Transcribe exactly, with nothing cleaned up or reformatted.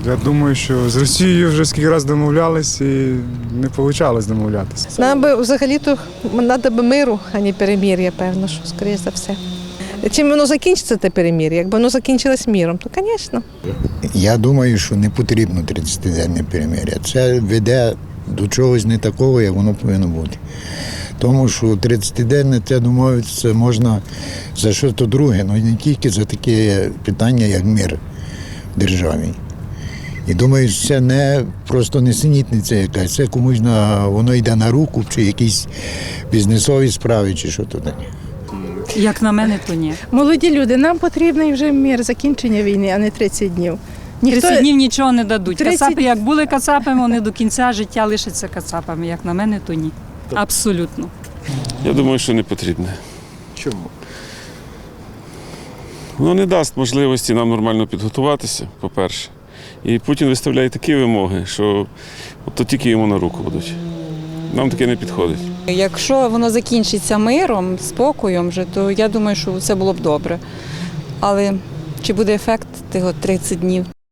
Я думаю, що з Росією вже скільки разів домовлялись і не вийшло домовлятися. Нам би взагалі-то треба би миру, а не перемир'я, певно, що, скоріше за все. Чим воно закінчиться, те перемир'я? Якби воно закінчилось миром, то, звісно. Я думаю, що не потрібно тридцятиденне перемир'я. Це веде до чогось не такого, як воно повинно бути. Тому що тридцятиденне це домовитися можна за щось друге, але не тільки за таке питання, як мир в державі. І думаю, що це не просто несенітниця якась, це комусь на, воно йде на руку, чи якісь бізнесові справи, чи що то таке. Як на мене, то ні. Молоді люди, нам потрібний вже мир, закінчення війни, а не тридцять днів. Ніхто... тридцять днів нічого не дадуть. тридцять Кацапи, як були кацапами, вони до кінця життя лишаться кацапами. Як на мене, то ні. Абсолютно. Я думаю, що не потрібне. Чому? Воно не дасть можливості нам нормально підготуватися, по-перше. І Путін виставляє такі вимоги, що то тільки йому на руку будуть. Нам таке не підходить. Якщо воно закінчиться миром, спокоєм, вже, то я думаю, що це було б добре. Але чи буде ефект тих тридцять днів?